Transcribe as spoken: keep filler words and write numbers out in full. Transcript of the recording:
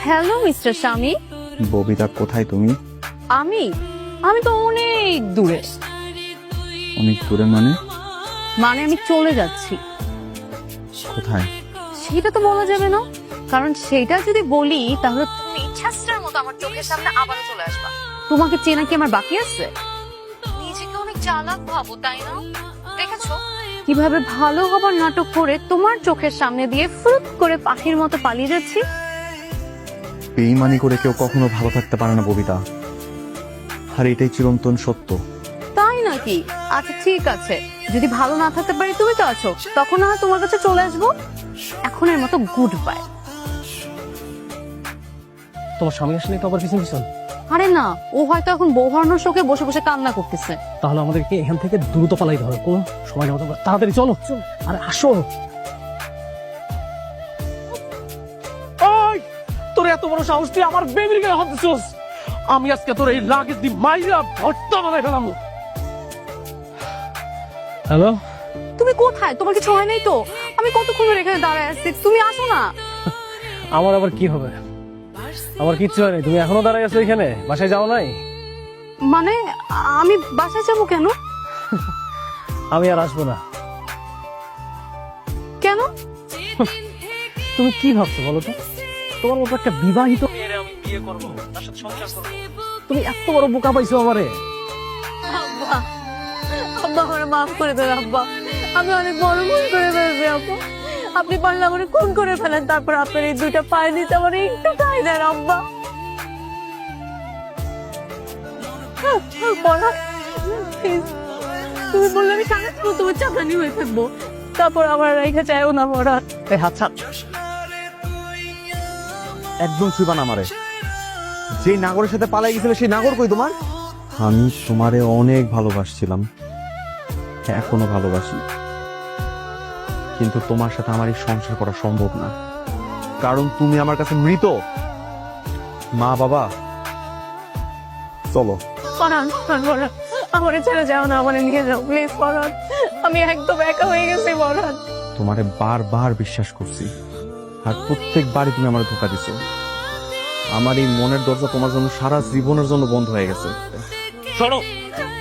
Hello mister স্বামী। ববিতা, কোথায় তুমি? আমি আমি তো অনেক দূরে। অনেক দূরে মানে? মানে আমি চলে যাচ্ছি। কোথায়? সেটা তো বলা যাবে না, কারণ সেটা যদি বলি তাহলে তুমি ইচ্ছাস্টার মতো আমার চোখের সামনে আবারও চলে আসবা। তোমাকে চেনা কি আমার বাকি আছে? নিজেকে অনেক চালাক ভাবো, তাই না? দেখেছো কিভাবে ভালো হবার নাটক করে তোমার চোখের সামনে দিয়ে ফুট করে পাখির মতো পালিয়ে যাচ্ছি। বেইমানি করে কেউ কখনো ভালো থাকতে পারে না ববিতা, আর এটাই চিরন্তন সত্য। তাই নাকি? আচ্ছা ঠিক আছে, যদি ভালো না থাকতে পারি তুমি তো আছো, তখন না হয় তোমার কাছে চলে আসবো। এখনের মতো গুড বাই। তোমার স্বামী আসলে তো আবার পিছন পিছন। আরে না, ও হয়তো এখন বউ হারানোর শোকে বসে বসে কান্না করতেছে। তাহলে আমাদেরকে এখান থেকে দ্রুত পালাইতে হবে, কোনো সময় নেওয়া যাবে না। তাড়াতাড়ি চলো। আরে আসো। ওই, তোর এত বড় সাহস, তুই আমার বেবির গায়ে হাত দিছিস। আমি আজকে তোর এই লাগেজ দি মাইরা ভর্তা বানাই ফেলাম। হ্যালো, তুমি কোথায়? তোমার কিছু হয় নাই তো? আমি কতক্ষণ ধরে এখানে দাঁড়ায় আছি, তুমি আসো না। আমার আবার কি হবে? আমার কিচ্ছু হয়নি, তুমি এখনো দাঁড়াই আছো এখানে, বাসায় যাও নাই? মানে আমি বাসায় যাবো কেন? আমি আর আসবো না। কেন? তুমি কি ভাবছো বলো তো? তোমার মতো একটা বিবাহিত মেয়েরে আমি বিয়ে করবো, তার সাথে সংসার করবো? তুমি এত বড় বোকা পাইছো আমারে। আব্বা, আব্বা আমার মাফ করে দেন আব্বা, আমি অনেক বড় ভুল করে ফেলছি আব্বা। আপনি পারলে আমার খুন করে ফেলেন, তারপর আপনার এই দুইটা পায়ে দিতে আমার একটু ঠাই দেন আব্বা। পরাণ, please, তুমি বললে আমি সারা জীবন তোমার চাঁদানি হয়ে থাকবো, তারপর আমার রেখে চাইও না পরাণ। এই হাত ছাড়, একদম ছুঁবা না আমারে। যে নাগরের সাথে পালাই গেছিল সেই নাগর কই তোমার? আমি তোমারে অনেক ভালোবাসছিলাম, এখনো ভালোবাসি, কিন্তু তোমার সাথে আমার এই সংসার করা সম্ভব না, কারণ তুমি আমার কাছে মৃত। মা বাবা, চলো। পরাণ, পরাণ, আমারে ছেড়ে যাও না, আমারে নিয়ে যাও প্লিজ পরাণ, আমি একদম একা হয়ে গেছি পরাণ। তোমারে বারবার বিশ্বাস করছি, আর প্রত্যেকবারই তুমি আমার ধোকা দিছো। আমার এই মনের দরজা তোমার জন্য সারা জীবনের জন্য বন্ধ হয়ে গেছে। সরো,